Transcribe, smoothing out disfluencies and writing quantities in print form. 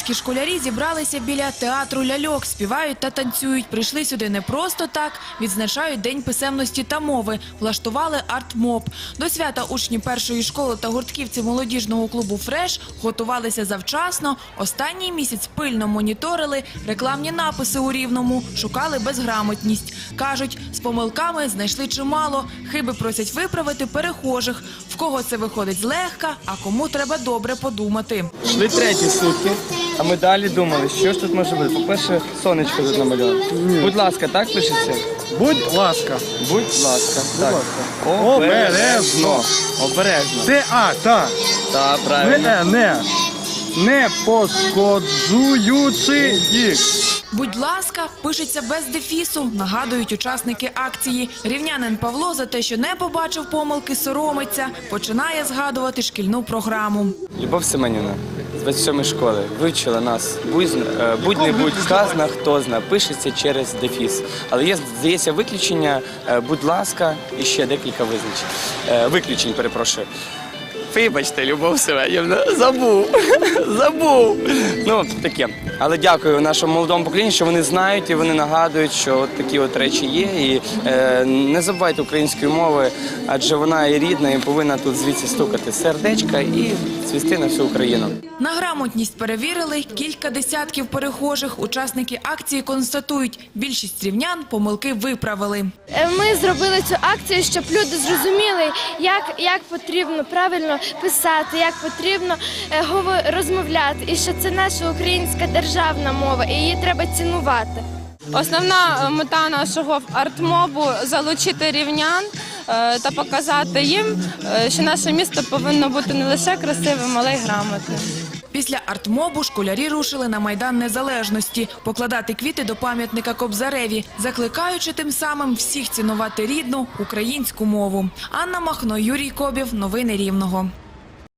рівненські школярі зібралися біля театру ляльок, співають та танцюють. Прийшли сюди не просто так, відзначають День писемності та мови, влаштували арт-моб. До свята учні першої школи та гуртківці молодіжного клубу «Фреш» готувалися завчасно. Останній місяць пильно моніторили рекламні написи у Рівному, шукали безграмотність. Кажуть, з помилками знайшли чимало, хиби просять виправити перехожих. В кого це виходить злегка, а кому треба добре подумати. Йшли треті сутки, а ми далі думали, що ж тут може бути. По-перше, сонечко тут намальовано. Будь ласка, так пишеться? Будь ласка. Будь ласка. Так. Обережно. Обережно. Так. Так, правильно. Не пошкоджуючи їх. «Будь ласка» пишеться без дефісу, нагадують учасники акції. Рівнянин Павло за те, що не побачив помилки, соромиться, починає згадувати шкільну програму. Любов Семенівна з 27-ї школи вивчила нас. Будь-не-будь, сказано, хто зна, пишеться через дефіс. Але є, здається, виключення, будь ласка, і ще декілька виключень, перепрошую. Вибачте, Любов Семенівна, забув. Ну, таке. Але дякую нашому молодому поколінню, що вони знають і вони нагадують, що от такі от речі є. І не забувайте української мови, адже вона і рідна, і повинна тут звідси стукати сердечка і цвісти на всю Україну. На грамотність перевірили кілька десятків перехожих. Учасники акції констатують, більшість рівнян помилки виправили. Ми зробили цю акцію, щоб люди зрозуміли, як потрібно правильно писати, як потрібно розмовляти, і що це наша українська державна мова, і її треба цінувати. Основна мета нашого арт-мобу – залучити рівнян та показати їм, що наше місто повинно бути не лише красивим, але й грамотним. Після арт-мобу школярі рушили на Майдан Незалежності покладати квіти до пам'ятника Кобзареві, закликаючи тим самим всіх цінувати рідну українську мову. Анна Махно, Юрій Кобів. Новини Рівного.